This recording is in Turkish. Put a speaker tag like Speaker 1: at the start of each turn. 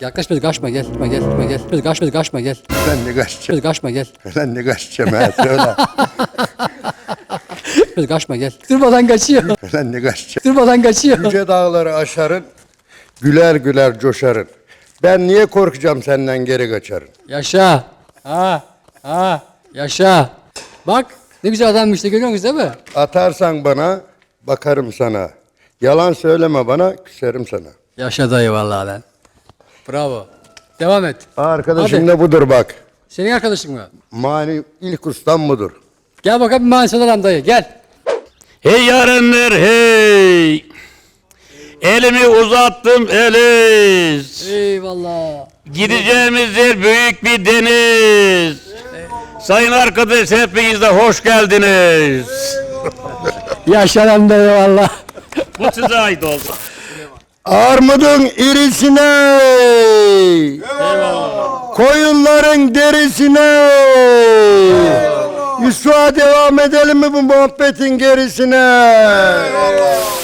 Speaker 1: Yaklaş biraz kaçma gel. Gel. Biraz kaçma gel.
Speaker 2: Ben ne kaçacağım?
Speaker 1: Biraz kaçma gel.
Speaker 2: Ben ne kaçacağım ha söyle.
Speaker 1: Biraz kaçma gel. Durmadan kaçıyor.
Speaker 2: Ben ne kaçacağım?
Speaker 1: Durmadan kaçıyor.
Speaker 2: Yüce dağları aşarın, güler güler coşarın. Ben niye korkacağım senden geri kaçarın?
Speaker 1: Yaşa. Yaşa. Bak ne güzel adammış işte görüyor musunuz değil mi?
Speaker 2: Atarsan bana, bakarım sana. Yalan söyleme bana, küserim sana.
Speaker 1: Yaşa dayı vallahi lan. Bravo. Devam et.
Speaker 2: Arkadaşım
Speaker 1: Hadi.
Speaker 2: da budur bak.
Speaker 1: Senin arkadaşın mı?
Speaker 2: Mani ilk ustam budur.
Speaker 1: Gel bakalım bir mansadan dayı gel.
Speaker 3: Hey yarenler hey. Elimi uzattım Eliz.
Speaker 1: Eyvallah.
Speaker 3: Gideceğimiz yer büyük bir deniz. Sayın arkadaş hepiniz de hoş geldiniz.
Speaker 1: Yaşa lan dayı valla.
Speaker 3: Bu size ait oldu.
Speaker 2: Armudun irisine, koyunların derisine. Yusuf'a devam edelim mi bu muhabbetin gerisine?